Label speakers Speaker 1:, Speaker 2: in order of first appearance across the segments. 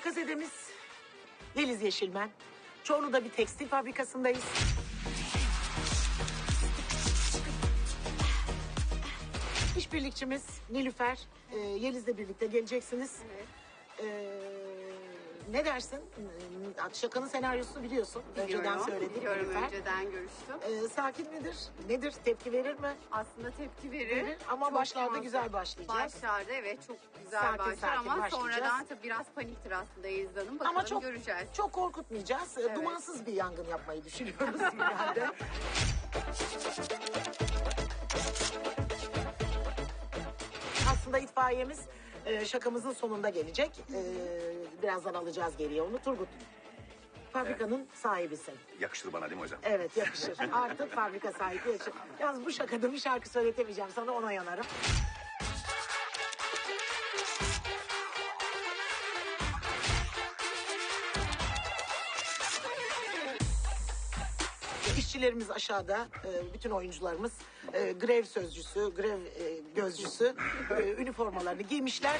Speaker 1: Şakazedemiz Yeliz Yeşilmen. Çorlu'da bir tekstil fabrikasındayız. İşbirlikçimiz Nilüfer. Yeliz'le birlikte geleceksiniz.
Speaker 2: Evet.
Speaker 1: Ne dersin? Şakanın senaryosunu biliyorsun. Önceden söyledik
Speaker 2: Biliyorum,
Speaker 1: Nilüfer.
Speaker 2: önceden görüştüm.
Speaker 1: Sakin midir? Nedir? Tepki verir mi?
Speaker 2: Aslında tepki verir.
Speaker 1: Verir ama
Speaker 2: Çok
Speaker 1: başlarda
Speaker 2: fazla.
Speaker 1: güzel başlayacağız.
Speaker 2: Başlarda evet çok güzel
Speaker 1: Sakin
Speaker 2: başlar
Speaker 1: sakin
Speaker 2: ama
Speaker 1: başlayacağız.
Speaker 2: sonradan tabii biraz paniktir aslında Yeliz Hanım. Bakalım
Speaker 1: Ama
Speaker 2: göreceğiz.
Speaker 1: çok korkutmayacağız.
Speaker 2: Evet.
Speaker 1: Dumansız bir yangın yapmayı düşünüyoruz genelde. Aslında itfaiyemiz şakamızın sonunda gelecek. Birazdan alacağız geriye onu. Turgut, fabrikanın sahibisin.
Speaker 3: Yakışır bana değil mi hocam?
Speaker 1: Evet, yakışır. Artık fabrika sahibi yakışır. Yalnız bu şakada bir şarkı söyletemeyeceğim sana, ona yanarım. İşçilerimiz aşağıda, bütün oyuncularımız grev sözcüsü, grev gözcüsü üniformalarını giymişler.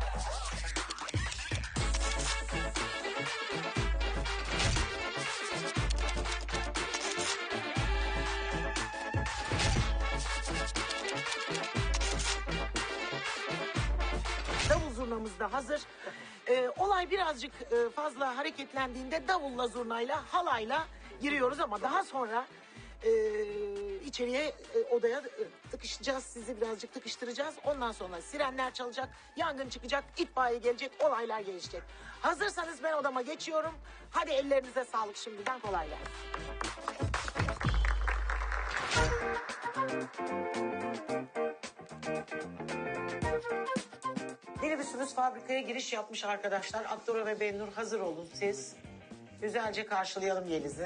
Speaker 1: Davul zurnamız da hazır. Olay birazcık fazla hareketlendiğinde davulla, zurnayla, halayla giriyoruz ama daha sonra içeriye odaya tıkışacağız. Sizi birazcık tıkıştıracağız. Ondan sonra sirenler çalacak, yangın çıkacak, itfaiye gelecek, olaylar gelişecek. Hazırsanız ben odama geçiyorum. Hadi ellerinize sağlık şimdiden, kolay gelsin. Minibüsümüz fabrikaya giriş yapmış arkadaşlar. Akdora ve Bennur, hazır olun siz. Güzelce karşılayalım Yeliz'i.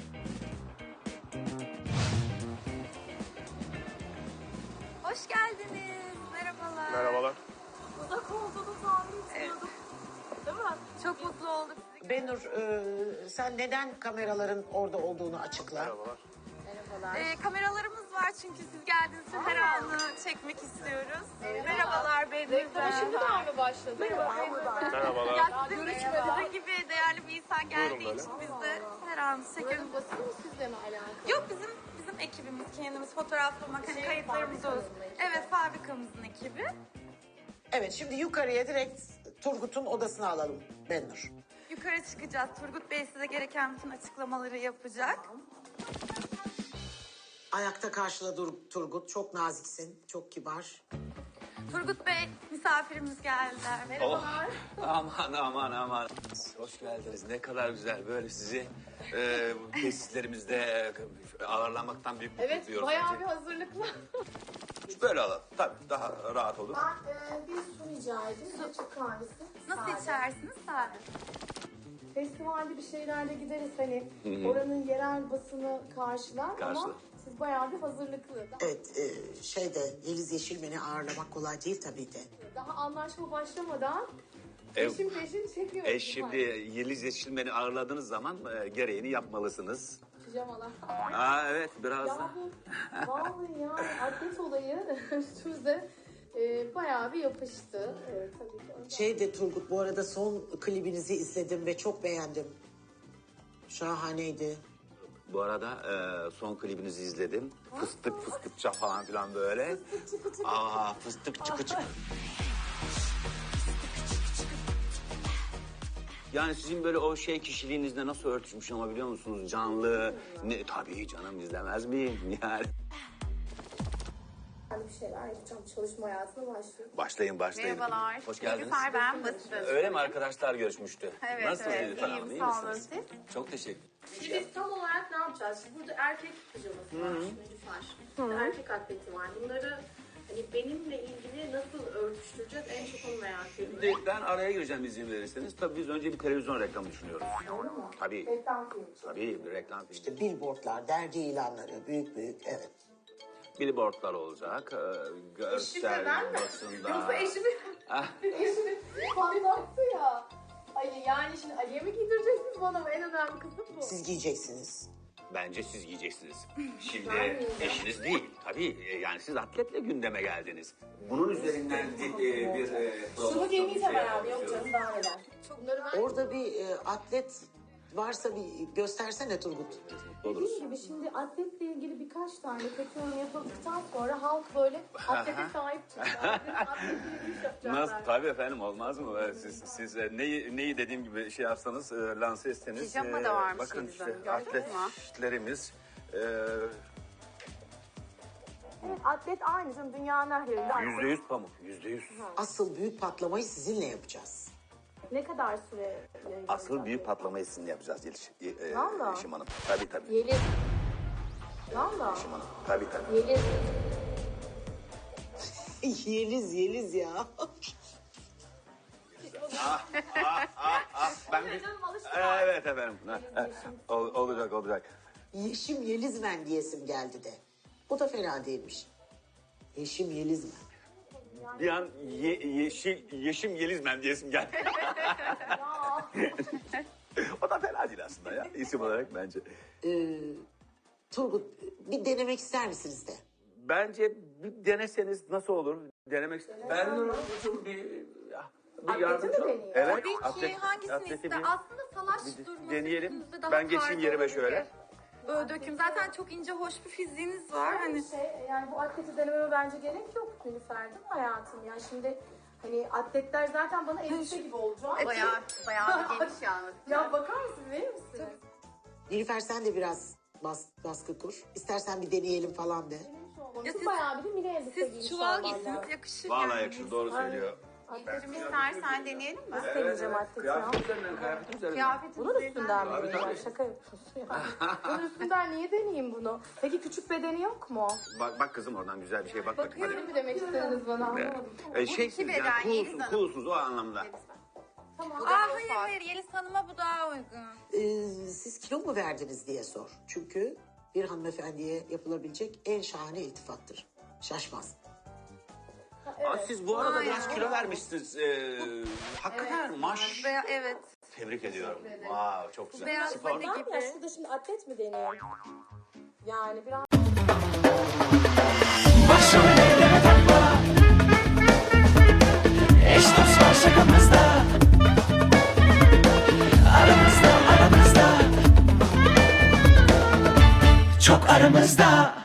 Speaker 4: Hoş geldiniz. Merhabalar.
Speaker 3: Merhabalar.
Speaker 4: Uzak olduğunu tahmin etmiyordum. Değil mi? Çok mutlu olduk.
Speaker 1: Bennur, sen neden kameraların orada olduğunu açıkla.
Speaker 3: Merhabalar.
Speaker 4: Kameralarımız var çünkü siz geldiğiniz için her anı çekmek istiyoruz. Merhabalar Bey'de.
Speaker 5: Şimdi daha mı başladı?
Speaker 3: Merhabalar.
Speaker 4: Ya sizin gibi değerli bir insan geldiği
Speaker 3: Buyurun
Speaker 4: için biz de her anı çekiyoruz.
Speaker 5: Basın mı sizle mi alakalı?
Speaker 4: Yok bizim ekibimiz, kendimiz fotoğraflamak, hani kayıtlarımızı olsun. Evet, fabrikamızın ekibi.
Speaker 1: Evet, şimdi yukarıya direkt Turgut'un odasına alalım Bennur.
Speaker 4: Yukarı çıkacağız. Turgut Bey size gereken bütün açıklamaları yapacak.
Speaker 1: Ayakta karşıla Turgut. Çok naziksin, çok kibar.
Speaker 4: Turgut Bey, misafirimiz geldiler. Merhabalar.
Speaker 3: Aman. Hoş geldiniz. Ne kadar güzel böyle sizi bu tesislerimizde ağırlamaktan büyük mutluluk
Speaker 5: Evet,
Speaker 3: duyuyoruz.
Speaker 5: bayağı bir hazırlıklı.
Speaker 3: Böyle alalım. Tabii daha rahat olur.
Speaker 5: Ben bir su rica edeyim, açık kahvesi.
Speaker 4: Nasıl
Speaker 5: Sade.
Speaker 4: içersiniz? Sade.
Speaker 5: Festivalde bir şeylerle gideriz hani oranın yerel basını karşılar ama
Speaker 3: Karşılar.
Speaker 5: siz bayağı bir hazırlıklı.
Speaker 1: Evet, Yeliz Yeşilmen'i ağırlamak kolay değil tabii de.
Speaker 5: Daha anlaşma başlamadan
Speaker 3: Ev-
Speaker 5: peşin çekiyoruz.
Speaker 3: E şimdi Yeliz Yeşilmen'i ağırladığınız zaman gereğini yapmalısınız.
Speaker 5: Pijamalar.
Speaker 3: Evet biraz da.
Speaker 5: Ya bu vallahi ya atlet olayı üstümüze bayağı bir yapıştı. Tabii ki.
Speaker 1: Turgut, bu arada son klibinizi izledim ve çok beğendim. Şahaneydi.
Speaker 3: Bu arada son klibinizi izledim. Fıstık fıstıkça falan filan böyle. Fıstık çıkı çıkı. Yani sizin böyle o kişiliğinizle nasıl örtüşmüş ama biliyor musunuz? Canlı. Tabii canım, izlemez miyim yani?
Speaker 5: Ben bir şeyler yapacağım. Çalışma hayatına başlıyorum.
Speaker 3: Başlayın.
Speaker 4: Merhabalar.
Speaker 3: Hoş geldiniz.
Speaker 4: Nilüfer ben, Basın.
Speaker 3: Öyle mi, arkadaşlar görüşmüştü?
Speaker 4: Evet,
Speaker 3: Nasılsınız
Speaker 4: evet.
Speaker 3: Nilüfer Hanım?
Speaker 4: İyiyim,
Speaker 3: İyi
Speaker 4: sağ olun
Speaker 3: misiniz? Çok teşekkür
Speaker 5: Şimdi biz tam olarak ne yapacağız? Şimdi burada erkek pijaması var, Nilüfer. Erkek atleti var. Bunları hani benimle ilgili nasıl örtüştüreceğiz en çok onu merak ediyorum.
Speaker 3: Şimdi ben araya gireceğim izin verirseniz. Tabii biz önce bir televizyon reklamı düşünüyoruz.
Speaker 5: Doğru mu?
Speaker 3: Tabii.
Speaker 5: Reklam filmi.
Speaker 3: Tabii bir reklam filmi.
Speaker 1: İşte billboardlar, dergi ilanları, büyük, evet.
Speaker 3: Billboardlar olacak. Görsel
Speaker 5: ben mi?
Speaker 3: basında.
Speaker 5: Yoksa eşimi patlattı ya. Ali yani şimdi Ali'ye mi giydireceksiniz bana mı? En önemli kısım bu.
Speaker 1: Siz giyeceksiniz.
Speaker 3: bence siz giyeceksiniz. Şimdi eşiniz değil. Tabii yani siz atletle gündeme geldiniz. Bunun üzerinden bir
Speaker 5: Şunu giymeyeceğim abi. Yok canım daha neler. Bunları ben
Speaker 1: Orada bir atlet varsa bir göstersene Turgut.
Speaker 5: dediğim gibi şimdi atletle ilgili birkaç tane kötü yorum yapıldıktan sonra halk böyle atlete sahip çıkacak. Atletle ilgili iş yapacaklar.
Speaker 3: Nasıl? Tabii efendim, olmaz mı? Siz neyi dediğim gibi şey yapsanız, lanse etseniz.
Speaker 2: Pijama da varmış
Speaker 3: bakın
Speaker 2: Yeliz
Speaker 3: işte
Speaker 2: Hanım, gördün mü?
Speaker 3: atletlerimiz.
Speaker 5: Evet, atlet aynı canım dünyanın her yerinde. atlet.
Speaker 3: %100 pamuk, %100.
Speaker 1: Asıl büyük patlamayı sizinle yapacağız.
Speaker 5: Ne kadar süre yayınlanacak?
Speaker 3: Asıl büyük patlamayı sizinle yapacağız
Speaker 5: Valla.
Speaker 3: Yeşim Hanım. Tabii.
Speaker 5: Yeliz. Valla.
Speaker 3: Yeşim Hanım. Tabii.
Speaker 5: Yeliz.
Speaker 1: Yeliz ya.
Speaker 3: Ben
Speaker 5: Canım alıştı.
Speaker 3: Evet efendim. Olacak.
Speaker 1: Yeşim Yelizmen diyesim geldi de. O da fena değilmiş. Yeşim Yelizmen.
Speaker 3: Bir an Yeşim Yelizmen diyesim geldi. O da fena değil aslında ya. İsim olarak bence.
Speaker 1: Turgut bir denemek ister misiniz de?
Speaker 3: Bence bir deneseniz nasıl olur? Denemek ben bir yardımcı
Speaker 5: mi deneyeyim?
Speaker 3: Evet.
Speaker 4: Tabii ki hangisini
Speaker 3: atleti
Speaker 4: ister?
Speaker 3: bir
Speaker 4: Aslında salaş durması
Speaker 3: deneyelim.
Speaker 4: üstünüzde daha
Speaker 3: Ben geçeyim
Speaker 4: tarzı
Speaker 3: yerime
Speaker 4: olabilir.
Speaker 3: şöyle.
Speaker 4: Böyle döküm. Zaten çok ince, hoş bir fiziğiniz var. Hani
Speaker 5: Yani bu atleti denememe bence gerek yok Nilüfer değil mi hayatım? Yani şimdi hani atletler zaten bana elbise gibi olacak.
Speaker 2: Bayağı bir geniş yalnız.
Speaker 5: Ya bakar mısın verir misin?
Speaker 1: Nilüfer sen de biraz baskı kur. İstersen bir deneyelim falan de.
Speaker 4: Ya siz-
Speaker 5: Bayağı bir de mini elbise giymiş
Speaker 4: siz çuval
Speaker 5: olman
Speaker 4: giysiniz
Speaker 5: lazım.
Speaker 4: yakışır.
Speaker 3: Vallahi
Speaker 4: yani.
Speaker 3: yakışır, doğru söylüyor.
Speaker 2: Atletimi istersen deneyelim mi?
Speaker 5: Deneyeceğim atleti ya.
Speaker 3: Kıyafet üzerinden.
Speaker 2: Kıyafetin
Speaker 5: Bunun üstünden mi
Speaker 3: Tabii,
Speaker 5: deneyeceğim?
Speaker 3: tabii.
Speaker 5: Şaka yapıyorsun ya. Bunun üstünden niye deneyeyim bunu? Peki küçük bedeni yok mu?
Speaker 3: Bak kızım, oradan güzel bir şeye bak bakayım.
Speaker 5: Öyle mi demek istediniz bana anlamadım.
Speaker 3: Şeysiniz
Speaker 2: beden,
Speaker 3: yani
Speaker 2: Yeliz Hanım.
Speaker 3: coolsunuz o anlamda.
Speaker 5: Tamam.
Speaker 4: Hayır Yeliz Hanım'a bu daha uygun.
Speaker 1: Siz kilo mu verdiniz diye sor. Çünkü bir hanımefendiye yapılabilecek en şahane iltifattır. Şaşmaz.
Speaker 3: Siz bu arada biraz kilo vermişsiniz. Hakikaten maş.
Speaker 4: Evet.
Speaker 3: Tebrik ediyorum. Wow, çok güzel.
Speaker 4: Beyaz
Speaker 3: Spor.
Speaker 4: body
Speaker 5: Tamam ya
Speaker 4: gibi.
Speaker 5: şurada şimdi atlet mi deneyeyim? Yani biraz...
Speaker 6: Başrollere takma. Eş dost var şakamızda. Aramızda Çok aramızda.